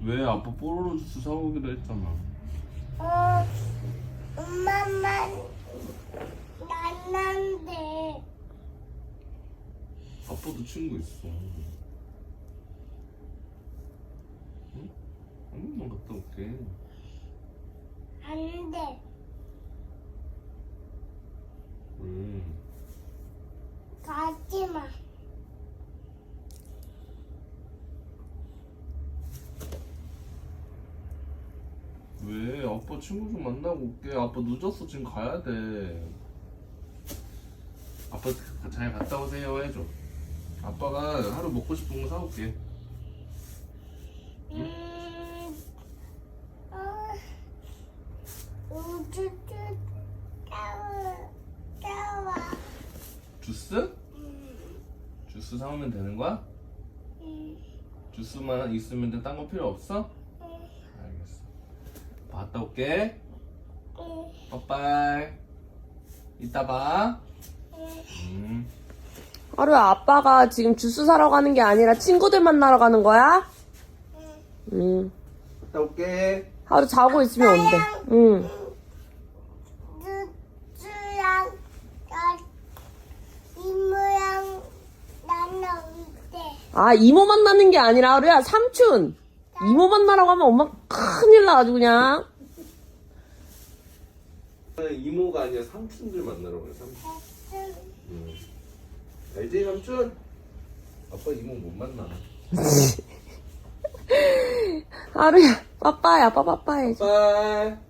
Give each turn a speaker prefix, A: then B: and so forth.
A: 왜? 아빠 뽀로로 주스 사오기로 했잖아.
B: 엄마만 만난데.
A: 아빠도 친구 있어. 응? 한 번만 갔다 올게.
B: 안 돼.
A: 왜?
B: 가지 마.
A: 왜? 아빠 친구 좀 만나고 올게. 아빠 늦었어. 지금 가야 돼. 아빠 잘 갔다 오세요 해줘. 아빠가 하루 먹고 싶은 거 사올게.
B: 우주주 따와.
A: 주스? 주스 사오면 되는 거야? 주스만 있으면 돼. 딴 거 필요 없어? 알겠어. 갔다 올게. 빠빠이. 이따 봐.
C: 하루야, 아빠가 지금 주스 사러 가는 게 아니라 친구들 만나러 가는 거야? 응.
A: 갔다 올게.
C: 하루 자고 있으면 온대. 응.
B: 주주랑 이모랑 나는 올때.
C: 아, 이모 만나는 게 아니라 하루야, 삼촌. 이모 만나러 가면 엄마 큰일 나, 아주 그냥.
A: 이모가 아니라 삼촌들 만나러 가요. 삼촌. 알지 삼촌? 아빠 이모 못 만나.
C: 하루야, 빠빠야, 아빠 빠빠해.
A: 빠이.